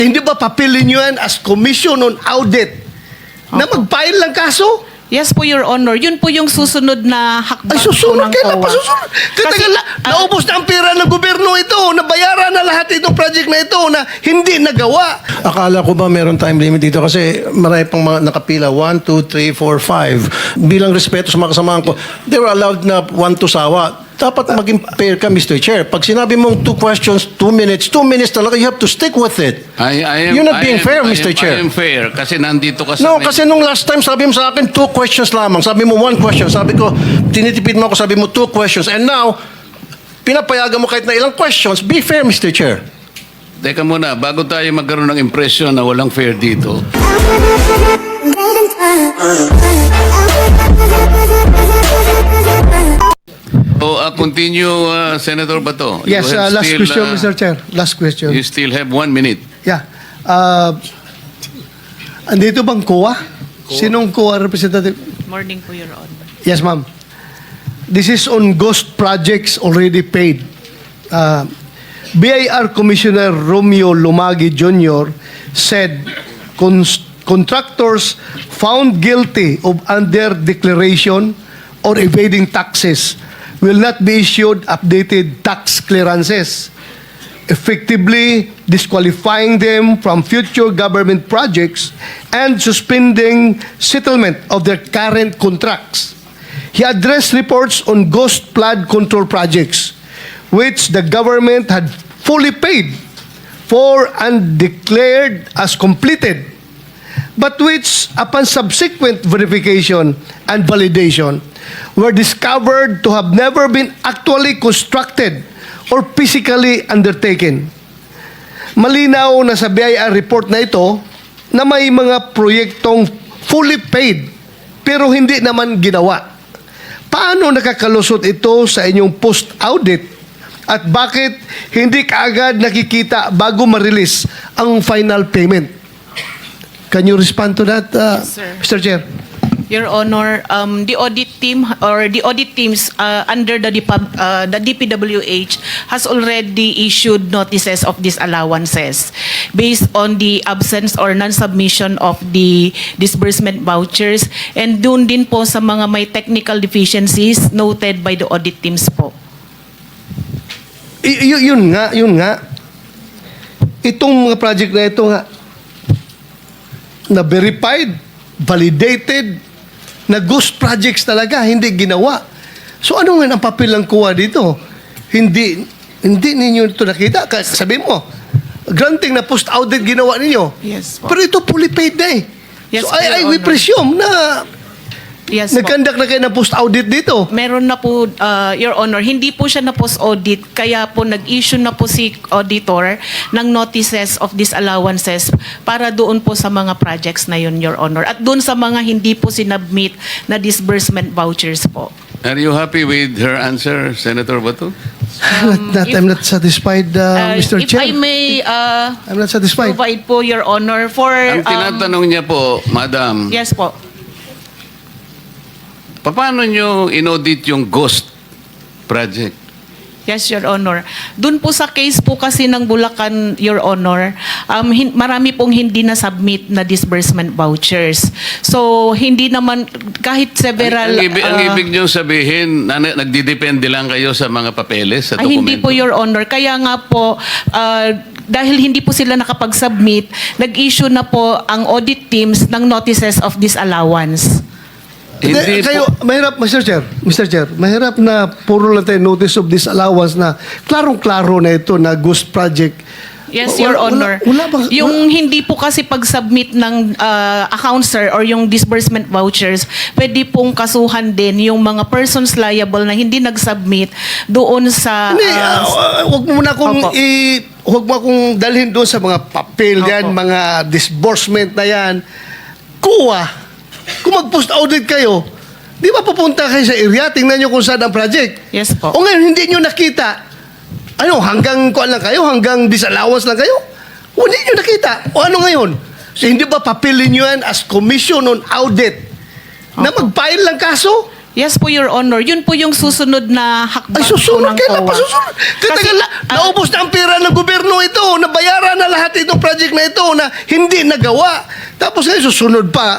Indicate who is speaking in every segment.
Speaker 1: Hindi ba papilin nyo yan as Commission on Audit na mag-file lang kaso?
Speaker 2: Yes po, Your Honor. Yun po yung susunod na hakbang
Speaker 1: Ay, susunod.
Speaker 2: po ng
Speaker 1: Kailan
Speaker 2: COA.
Speaker 1: pa susunod? Kasi, naubos na ang pera ng gobyerno ito, nabayaran na lahat itong project na ito na hindi nagawa.
Speaker 3: Akala ko ba meron time limit dito kasi marami pang mga nakapila. 1, 2, 3, 4, 5. Bilang respeto sa mga kasamahan ko, they were allowed na 1 to sawa. Dapat maging fair ka, Mr. Chair. Pag sinabi mong 2 questions, 2 minutes talaga, you have to stick with it. You're not being fair, Mr. Chair.
Speaker 4: I am fair kasi nandito ka sa...
Speaker 3: No, kasi nung last time, sabi mo sa akin, 2 questions lamang. Sabi mo 1 question. Sabi ko, tinitipid mo ako, sabi mo 2 questions. And now, pinapayagan mo kahit na ilang questions. Be fair, Mr. Chair.
Speaker 4: Teka muna, bago tayo magkaroon ng impression na walang fair dito, continue, Senator Bato. You
Speaker 1: Yes,
Speaker 4: have
Speaker 1: last
Speaker 4: still,
Speaker 1: question, Mr. Chair. Last question.
Speaker 4: You still have 1 minute.
Speaker 1: Yeah. Andito bang COA? Sinong COA representative?
Speaker 2: Morning po, Your Honor.
Speaker 1: Yes, ma'am. This is on ghost projects already paid. BIR Commissioner Romeo Lumagi Jr. said contractors found guilty of under-declaration or evading taxes will not be issued updated tax clearances, effectively disqualifying them from future government projects and suspending settlement of their current contracts. He addressed reports on ghost flood control projects, which the government had fully paid for and declared as completed, but which, upon subsequent verification and validation, were discovered to have never been actually constructed or physically undertaken. Malinaw na sa BIR report na ito na may mga proyektong fully paid pero hindi naman ginawa. Paano nakakalusot ito sa inyong post-audit at bakit hindi kaagad nakikita bago ma-release ang final payment? Can you respond to that,
Speaker 2: Yes, sir.
Speaker 1: Mr. Chair?
Speaker 2: Your Honor, the audit team or the audit teams under the DPWH has already issued notices of disallowances based on the absence or non-submission of the disbursement vouchers and dun din po sa mga may technical deficiencies noted by the audit teams po.
Speaker 1: Yun nga. Itong mga project na ito nga, na verified, validated, na ghost projects talaga, hindi ginawa. So ano nga ang papel ng COA dito? Hindi ninyo ito nakita. Sabi mo, granting na post-audit ginawa ninyo.
Speaker 2: Yes po.
Speaker 1: Pero ito fully paid na eh.
Speaker 2: Yes,
Speaker 1: so
Speaker 2: po, Your
Speaker 1: we
Speaker 2: Honor.
Speaker 1: presume na
Speaker 2: Yes po.
Speaker 1: nag-conduct na kayo ng post-audit dito.
Speaker 2: Meron na po, Your Honor, hindi po siya na post-audit, kaya po nag-issue na po si auditor ng notices of disallowances para doon po sa mga projects na yun, Your Honor. At doon sa mga hindi po sinubmit na disbursement vouchers po.
Speaker 4: Are you happy with her answer, Senator Bato?
Speaker 1: I'm not satisfied, Mr.
Speaker 2: If
Speaker 1: Chair.
Speaker 2: I may
Speaker 1: I'm not satisfied.
Speaker 2: provide po, Your Honor, for...
Speaker 4: Ang tinatanong niya po, Madam,
Speaker 2: Yes po.
Speaker 4: paano nyo inaudit yung ghost project?
Speaker 2: Yes, Your Honor. Doon po sa case po kasi ng Bulacan, Your Honor, marami pong hindi na-submit na disbursement vouchers. So, hindi naman, kahit several...
Speaker 4: Ang ibig nyo sabihin, nagdidepende lang kayo sa mga papeles, sa
Speaker 2: ay,
Speaker 4: dokumento?
Speaker 2: hindi po, Your Honor. Kaya nga po, dahil hindi po sila nakapag-submit, nag-issue na po ang audit teams ng notices of disallowance.
Speaker 4: Hindi
Speaker 1: Kayo,
Speaker 4: po.
Speaker 1: mahirap, Mr. Chair, mahirap na puro lang tayo notice of disallowance na klarong-klaro na ito na ghost project.
Speaker 2: Yes, Your Honor. Yung hindi po kasi pag-submit ng account, sir, or yung disbursement vouchers, pwede pong kasuhan din yung mga persons liable na hindi nag-submit doon sa...
Speaker 1: Hindi, huwag mo na akong
Speaker 2: Opo.
Speaker 1: huwag mo akong dalhin doon sa mga papel yan,
Speaker 2: Opo.
Speaker 1: mga disbursement na yan. Kuha. Kung mag-post audit kayo, di ba pupunta kayo sa area, tingnan nyo kung saan ang project.
Speaker 2: Yes po.
Speaker 1: O ngayon, hindi nyo nakita. Ano, hanggang kuan lang kayo? Hanggang disallowance lang kayo? O hindi nyo nakita. O ano ngayon? So, hindi ba papilin nyo yan as Commission on Audit na
Speaker 2: Opo.
Speaker 1: mag-file lang kaso?
Speaker 2: Yes po, Your Honor. Yun po yung susunod na hakbang
Speaker 1: Ay, susunod.
Speaker 2: po ng
Speaker 1: Kailan
Speaker 2: COA.
Speaker 1: pa susunod? Tatagal na. Naubos na ang pera ng gobyerno ito. Nabayaran na lahat itong project na ito na hindi nagawa. Tapos ngayon susunod pa.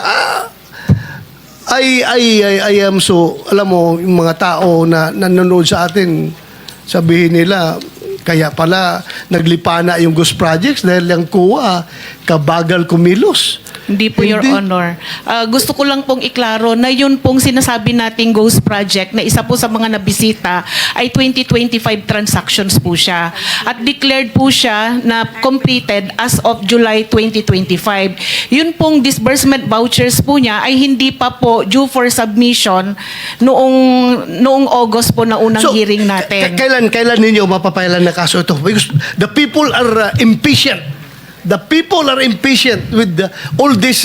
Speaker 1: I am so, alam mo, yung mga tao na nanonood sa atin, sabihin nila, kaya pala naglipana yung ghost projects dahil yung COA kabagal kumilos.
Speaker 2: Hindi po, Your
Speaker 1: Hindi.
Speaker 2: Honor. Gusto ko lang pong iklaro na yun pong sinasabi nating ghost project na isa po sa mga nabisita ay 2025 transactions po siya. At declared po siya na completed as of July 2025. Yun pong disbursement vouchers po niya ay hindi pa po due for submission noong August po na unang hearing natin.
Speaker 1: Kailan ninyo mapapailan na kaso ito? Because the people are impatient. The people are impatient with all this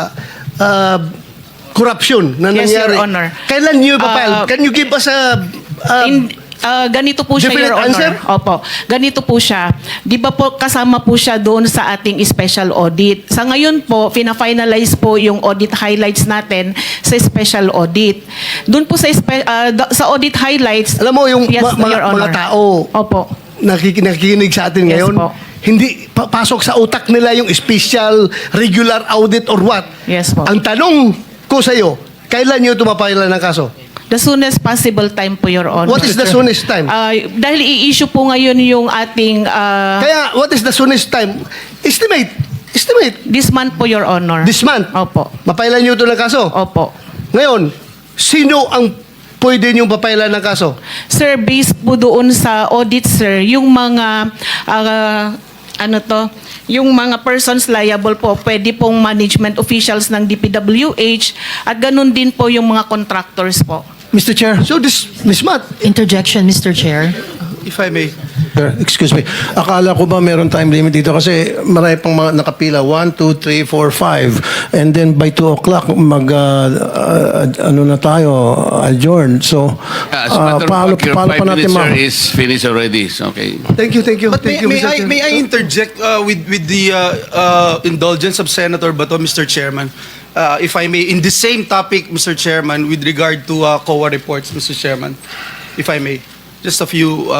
Speaker 1: corruption na
Speaker 2: Yes,
Speaker 1: nangyari.
Speaker 2: Your Honor.
Speaker 1: Kailan niyo ipapile? Can you give us a
Speaker 2: Ganito po siya,
Speaker 1: definite
Speaker 2: Your Honor.
Speaker 1: answer?
Speaker 2: Opo. Ganito po siya. Di ba po kasama po siya doon sa ating special audit. Sa ngayon po, fina-finalize po yung audit highlights natin sa special audit. Doon po sa audit highlights,
Speaker 1: alam mo yung
Speaker 2: yes, Your
Speaker 1: mga
Speaker 2: Honor.
Speaker 1: tao
Speaker 2: Opo.
Speaker 1: nakikinig sa atin
Speaker 2: Yes
Speaker 1: ngayon,
Speaker 2: po.
Speaker 1: hindi pasok sa utak nila yung special, regular audit or what.
Speaker 2: Yes po.
Speaker 1: Ang tanong ko sa iyo, kailan niyo tumapailan ng kaso?
Speaker 2: The soonest possible time po, Your Honor.
Speaker 1: What is the soonest time?
Speaker 2: Dahil i-issue po ngayon yung ating
Speaker 1: Kaya, what is the soonest time? Estimate.
Speaker 2: this month po, Your Honor.
Speaker 1: This month.
Speaker 2: Opo.
Speaker 1: Mapailan niyo ito ng kaso?
Speaker 2: Opo.
Speaker 1: Ngayon, sino ang pwede niyong papailan ng kaso?
Speaker 2: Sir, based po doon sa audit, sir, yung mga yung mga persons liable po, pwede pong management officials ng DPWH at ganun din po yung mga contractors po.
Speaker 3: Mr. Chair.
Speaker 1: So this month,
Speaker 5: Interjection, Mr. Chair.
Speaker 1: if I may.
Speaker 3: Sir, excuse me. Akala ko ba meron time limit dito kasi marami pang mga nakapila. 1, 2, 3, 4, 5. And then by 2 o'clock, ano na tayo, adjourn. So,
Speaker 4: As a matter of
Speaker 3: paano
Speaker 4: fact, your
Speaker 3: pa
Speaker 4: 5
Speaker 3: natin
Speaker 4: minutes, sir, is finished already. Okay.
Speaker 1: Thank you.
Speaker 6: But
Speaker 1: Thank you,
Speaker 6: may
Speaker 1: Mr. Chair.
Speaker 6: I interject with the indulgence of Senator Bato, Mr. Chairman? If I may, in the same topic, Mr. Chairman, with regard to COA reports, Mr. Chairman, if I may, just a few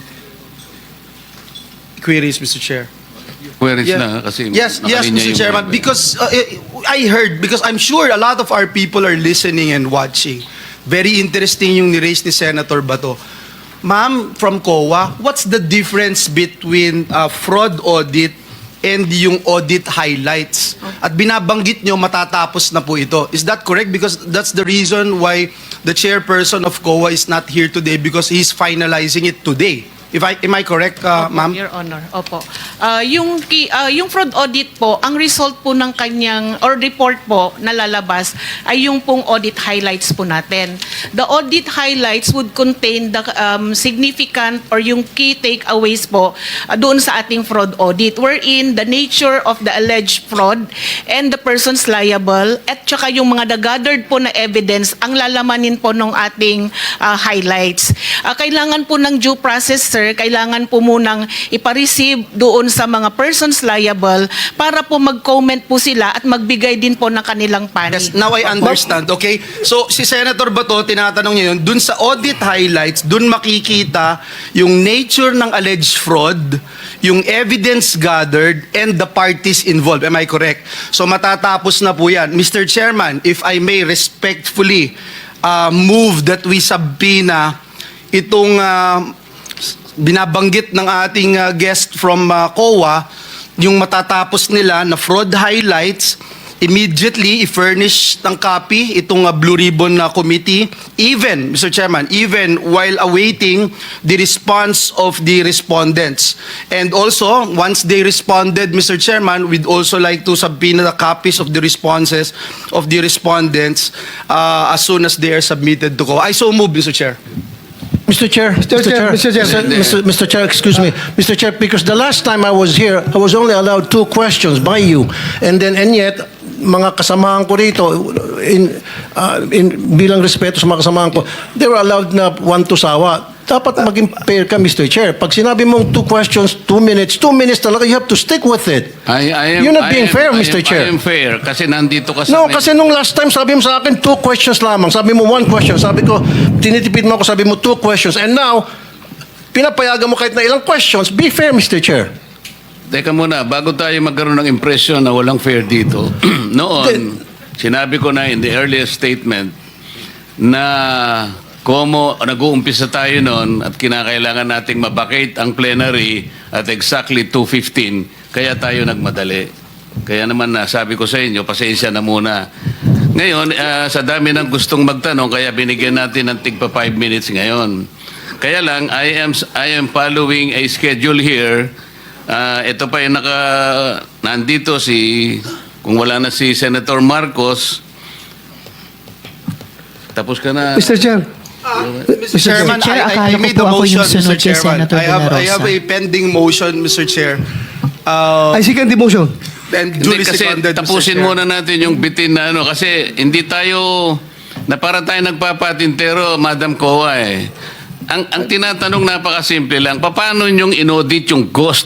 Speaker 6: queries, Mr. Chair.
Speaker 4: Where is na? Kasi
Speaker 6: Yes,
Speaker 4: nakalinya
Speaker 6: Mr.
Speaker 4: yung
Speaker 6: Chairman,
Speaker 4: mga-
Speaker 6: because I heard, because I'm sure a lot of our people are listening and watching. Very interesting yung ni-raise ni Senator Bato. Ma'am, from COA, what's the difference between fraud audit and yung audit highlights? At binabanggit nyo, matatapos na po ito. Is that correct? Because that's the reason why the chairperson of COA is not here today, because he's finalizing it today. Am I correct,
Speaker 2: Opo,
Speaker 6: ma'am?
Speaker 2: Your Honor. Opo. Yung fraud audit po, ang result po ng kanyang, or report po na lalabas, ay yung pong audit highlights po natin. The audit highlights would contain the significant or yung key takeaways po doon sa ating fraud audit, wherein the nature of the alleged fraud and the persons liable, at saka yung mga gathered po na evidence, ang lalamanin po ng ating highlights. Kailangan po ng due process, sir, kailangan po munang ipareceive doon sa mga persons liable para po mag-comment po sila at magbigay din po ng kanilang panig.
Speaker 6: Yes, now I understand. Okay? So, si Senator Bato, tinatanong niya yun, dun sa audit highlights, dun makikita yung nature ng alleged fraud, yung evidence gathered, and the parties involved. Am I correct? So, matatapos na po yan. Mr. Chairman, if I may respectfully move that we subpoena itong binabanggit ng ating guest from COA, yung matatapos nila na fraud highlights, immediately i-furnish ng copy itong Blue Ribbon committee, even, Mr. Chairman, even while awaiting the response of the respondents. And also, once they responded, Mr. Chairman, we'd also like to subpoena the copies of the responses of the respondents as soon as they are submitted to COA. I so move, Mr. Chair.
Speaker 3: Mr. Chair, Mr. Chair, excuse me. Mr. Chair, because the last time I was here, I was only allowed 2 questions by you. And yet, mga kasamahan ko rito, bilang respeto sa mga kasamahan ko, they were allowed na 1 to sawa. dapat maging fair ka, Mr. Chair. Pag sinabi mong 2 questions, 2 minutes talaga, you have to stick with it. You're not being fair, Mr. Chair.
Speaker 4: I am fair kasi nandito ka
Speaker 3: No,
Speaker 4: sa...
Speaker 3: kasi nung last time, sabi mo sa akin, 2 questions lamang. Sabi mo 1 question. Sabi ko, tinitipid mo ako, sabi mo 2 questions. And now, pinapayagan mo kahit na ilang questions. Be fair, Mr. Chair.
Speaker 4: Teka muna, bago tayo magkaroon ng impression na walang fair dito, noon, sinabi ko na in the earlier statement na como nag-uumpisa tayo noon at kinakailangan nating mabakate ang plenary at exactly 2:15, kaya tayo nagmadali. Kaya naman sabi ko sa inyo, pasensya na muna. Ngayon, sa dami ng gustong magtanong, kaya binigyan natin ng tigpa 5 minutes ngayon. Kaya lang, I am following a schedule here. Ito pa yung nandito kung wala na si Senator Marcos, tapos ka na.
Speaker 1: Mr. Chair.
Speaker 6: Mr. Chairman,
Speaker 5: Chair,
Speaker 6: I
Speaker 5: akala ko
Speaker 6: made
Speaker 5: po
Speaker 6: a
Speaker 5: ako
Speaker 6: motion,
Speaker 5: yung sunod
Speaker 6: Mr.
Speaker 5: kay
Speaker 6: Chairman.
Speaker 5: Senator De La
Speaker 6: I have
Speaker 5: Rosa.
Speaker 6: a pending motion, Mr. Chair.
Speaker 1: I second the motion.
Speaker 6: And
Speaker 4: Hindi,
Speaker 6: duly
Speaker 4: kasi
Speaker 6: seconded, Mr.
Speaker 4: tapusin
Speaker 6: Chair.
Speaker 4: muna natin yung bitin na kasi hindi tayo, na para tayo nagpapatintero, Madam Kowa eh. Ang tinatanong napakasimple lang, paano yung inaudit yung ghost?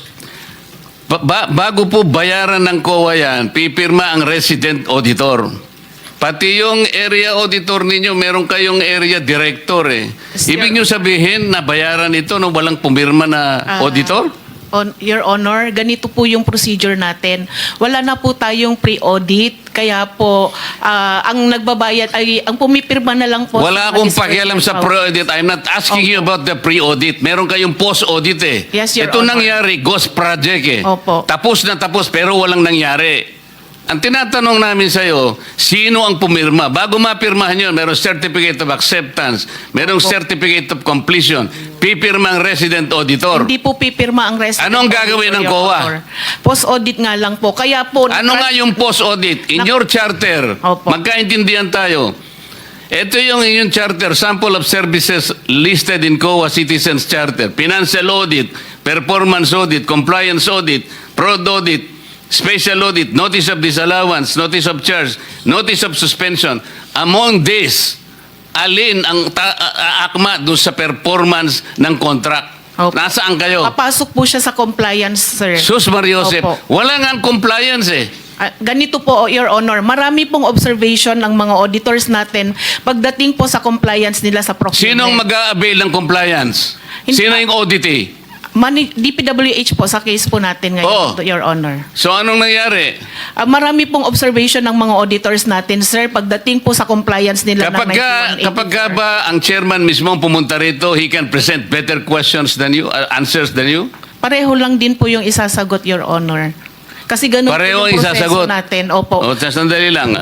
Speaker 4: Bago po bayaran ng COA yan, pipirma ang resident auditor. Pati yung area auditor ninyo, meron kayong area director eh. Ibig nyo sabihin na bayaran ito nung walang pumirma na auditor?
Speaker 2: Your Honor, ganito po yung procedure natin. Wala na po tayong pre-audit, kaya po ang nagbabayad ay ang pumipirma na lang po.
Speaker 4: Wala akong pakialam sa pre-audit. I'm not asking you about the pre-audit. Meron kayong post-audit eh.
Speaker 2: Yes, Your
Speaker 4: Ito
Speaker 2: Honor.
Speaker 4: nangyari, ghost project eh.
Speaker 2: Opo.
Speaker 4: Tapos na tapos pero walang nangyari. Ang tinatanong namin sa'yo, sino ang pumirma? Bago mapirmahan yun, merong certificate of acceptance, merong certificate of completion, pipirma ang resident auditor.
Speaker 2: Hindi po pipirma ang resident.
Speaker 4: Anong gagawin ng
Speaker 2: Your
Speaker 4: COA?
Speaker 2: Honor. Post-audit nga lang po. Kaya po...
Speaker 4: Ano nga yung post-audit? In your charter,
Speaker 2: Opo.
Speaker 4: magkaintindihan tayo. Ito yung inyong charter, sample of services listed in COA Citizens Charter. Financial audit, performance audit, compliance audit, fraud audit, special audit, notice of disallowance, notice of charge, notice of suspension. Among these, alin ang akma doon sa performance ng contract?
Speaker 2: Opo.
Speaker 4: Nasaan kayo?
Speaker 2: Papasok po siya sa compliance, sir.
Speaker 4: Sus Mariosep,
Speaker 2: Opo.
Speaker 4: wala nga compliance eh.
Speaker 2: Ganito po, Your Honor, marami pong observation ng mga auditors natin pagdating po sa compliance nila sa procurement.
Speaker 4: Sinong mag-a-avail ng compliance?
Speaker 2: Hindi
Speaker 4: Sino
Speaker 2: pa-
Speaker 4: yung auditee?
Speaker 2: DPWH po sa case po natin ngayon,
Speaker 4: Oo.
Speaker 2: Your Honor.
Speaker 4: So anong nangyari?
Speaker 2: Marami pong observation ng mga auditors natin, sir, pagdating po sa compliance nila ng 9180.
Speaker 4: Kapag ba ang chairman mismo ang pumunta rito, he can present better questions than you, answers than you?
Speaker 2: Pareho lang din po yung isasagot, Your Honor. Kasi ganun
Speaker 4: Pareho
Speaker 2: po yung proseso
Speaker 4: isasagot.
Speaker 2: natin. Opo.
Speaker 4: O, sandali lang.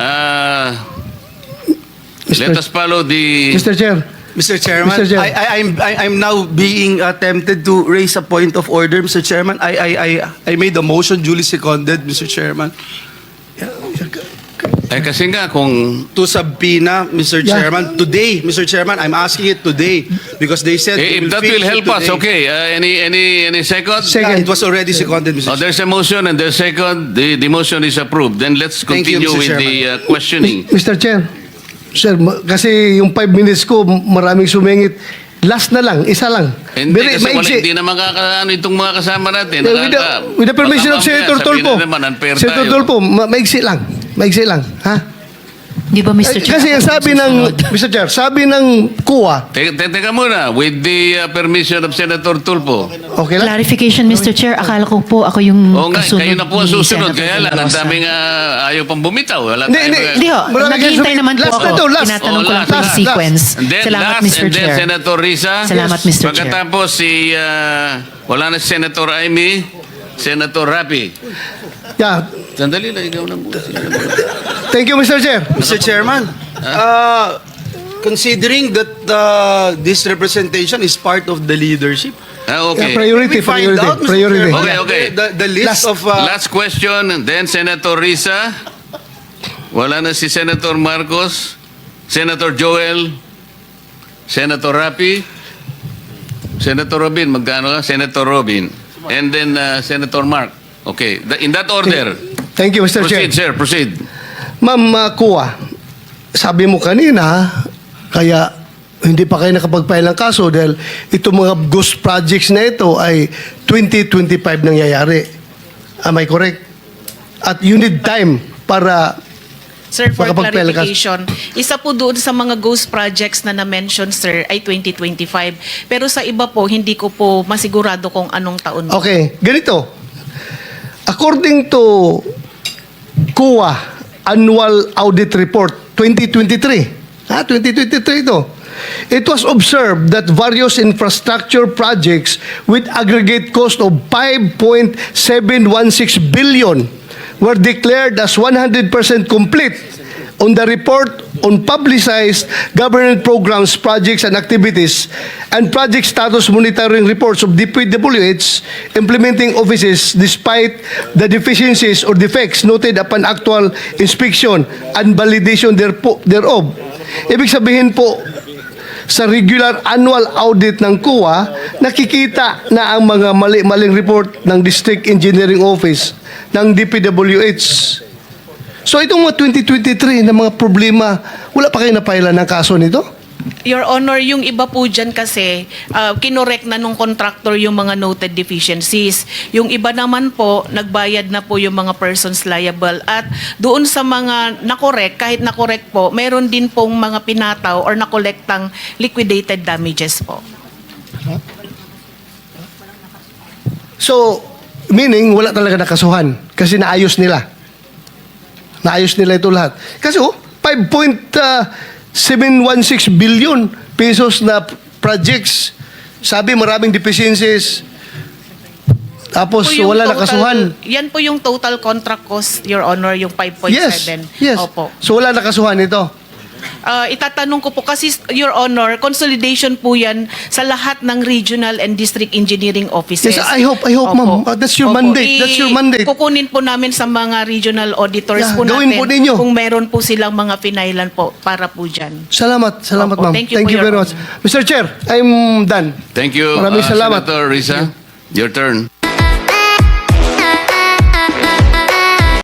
Speaker 4: Let us follow the...
Speaker 1: Mr. Chair.
Speaker 6: Mr. Chairman,
Speaker 1: Mr. Chair.
Speaker 6: I'm now being tempted to raise a point of order, Mr. Chairman. I made a motion duly seconded, Mr. Chairman,
Speaker 4: kasi nga kung...
Speaker 6: to subpoena, Mr.
Speaker 1: Yeah.
Speaker 6: Chairman, today, Mr. Chairman. I'm asking it today because they said they
Speaker 4: if that
Speaker 6: finish
Speaker 4: will
Speaker 6: it
Speaker 4: help us,
Speaker 6: today.
Speaker 4: okay. Any second?
Speaker 1: Second.
Speaker 6: It was already seconded, Mr.
Speaker 4: Oh, there's a motion and there's second. The motion is approved. Then let's
Speaker 6: Thank you,
Speaker 4: continue
Speaker 6: Mr.
Speaker 4: with the questioning.
Speaker 1: Mr. Chair. Sir, kasi yung 5 minutes ko, maraming sumingit. Last na lang, isa lang.
Speaker 4: Hindi kasi wala,
Speaker 1: maiksi.
Speaker 4: hindi na makakaano itong mga kasama natin.
Speaker 1: With the permission of Senator Tolpo. Senator Tolpo, maiksi lang. Maiksi lang. Ha?
Speaker 5: Di ba, Mr. Chair?
Speaker 1: Kasi ang
Speaker 5: ako
Speaker 1: sabi
Speaker 5: yung
Speaker 1: ng,
Speaker 5: susunod?
Speaker 1: Mr. Chair, sabi ng COA,
Speaker 4: Teka muna, with the permission of Senator Tulfo.
Speaker 1: okay lang?
Speaker 5: Clarification, Mr. Chair. Akala ko po ako yung
Speaker 4: Oo nga,
Speaker 5: kasunod
Speaker 4: kayo na po ang
Speaker 5: ni
Speaker 4: susunod.
Speaker 5: Senator
Speaker 4: Kaya
Speaker 5: De La
Speaker 4: lang, ang
Speaker 5: Rosa.
Speaker 4: daming ayaw pang bumitaw. Wala
Speaker 1: Hindi,
Speaker 4: tayong
Speaker 1: hindi.
Speaker 4: mga-
Speaker 5: Hindi ho,
Speaker 1: Marami
Speaker 5: naghihintay
Speaker 1: kayo
Speaker 5: naman po
Speaker 1: last
Speaker 5: ako.
Speaker 1: na to, last.
Speaker 5: Tinatanong ko lang
Speaker 4: Oh,
Speaker 5: po yung
Speaker 1: last.
Speaker 5: sequence.
Speaker 4: And then
Speaker 5: Salamat,
Speaker 4: last,
Speaker 5: Mr.
Speaker 4: and then
Speaker 5: Chair.
Speaker 4: Senator Risa.
Speaker 5: Salamat, Mr. Chair.
Speaker 4: Pagkatapos wala na si Senator Amy, Senator Rapi.
Speaker 1: Yeah.
Speaker 4: Sandali lang, ikaw na muna.
Speaker 1: Thank you, Mr. Chair.
Speaker 6: Mr. Chairman, considering that this representation is part of the leadership,
Speaker 4: Okay.
Speaker 1: Yeah, priority,
Speaker 6: can we find
Speaker 1: priority,
Speaker 6: out, Mr.
Speaker 1: priority.
Speaker 6: Chairman,
Speaker 4: Okay.
Speaker 6: the list of...
Speaker 4: Last question, and then Senator Risa. Wala na si Senator Marcos, Senator Joel, Senator Rapi, Senator Robin, magkano ka? Senator Robin. And then Senator Mark. Okay, in that order.
Speaker 1: Thank you, Mr. Chair.
Speaker 4: Proceed, sir, proceed.
Speaker 1: Ma'am COA, sabi mo kanina, kaya hindi pa kayo nakapag-file ng kaso dahil itong mga ghost projects na ito ay 2025 nangyayari. Am I correct? At you need time para
Speaker 2: Sir, for
Speaker 1: Makapag-file ka-
Speaker 2: clarification, isa po doon sa mga ghost projects na na-mention, sir, ay 2025. Pero sa iba po, hindi ko po masigurado kung anong taon.
Speaker 1: Okay, ganito. According to COA Annual Audit Report 2023, 2023 ito, it was observed that various infrastructure projects with aggregate cost of 5.716 billion were declared as 100% complete. On the report on publicized government programs, projects, and activities, and project status monitoring reports of DPWH implementing offices despite the deficiencies or defects noted upon actual inspection and validation thereof. Ibig sabihin po, sa regular annual audit ng COA, nakikita na ang mga mali-maling report ng District Engineering Office ng DPWH. So itong mga 2023 na mga problema, wala pa kayo napailan ng kaso nito?
Speaker 2: Your Honor, yung iba po dyan kasi, kinorek na nung contractor yung mga noted deficiencies. Yung iba naman po, nagbayad na po yung mga persons liable. At doon sa mga nakorek, kahit nakorek po, meron din pong mga pinataw or nakolektang liquidated damages po.
Speaker 1: So, meaning wala talaga nakasuhan kasi naayos nila. Naayos nila ito lahat. Kasi 5.716 billion pesos na projects. Sabi maraming deficiencies. Tapos
Speaker 2: Po yung
Speaker 1: wala
Speaker 2: total-
Speaker 1: nakasuhan.
Speaker 2: Yan po yung total contract cost, Your Honor, yung 5.7.
Speaker 1: Yes.
Speaker 2: Opo.
Speaker 1: So wala nakasuhan ito.
Speaker 2: Itatanong ko po kasi, Your Honor, consolidation po yan sa lahat ng regional and district engineering offices.
Speaker 1: Yes, I hope,
Speaker 2: Opo.
Speaker 1: ma'am. That's your
Speaker 2: Opo.
Speaker 1: mandate. That's your mandate.
Speaker 2: Kukunin po namin sa mga regional auditors
Speaker 1: Yeah,
Speaker 2: po
Speaker 1: gawin
Speaker 2: natin
Speaker 1: po ninyo.
Speaker 2: kung meron po silang mga pinailan po para po dyan.
Speaker 1: Salamat
Speaker 2: Opo.
Speaker 1: ma'am.
Speaker 2: Thank you po, Your
Speaker 1: very much.
Speaker 2: Honor.
Speaker 1: Mr. Chair, I'm done.
Speaker 4: Thank you,
Speaker 1: Maraming salamat.
Speaker 4: Senator Risa. Your turn.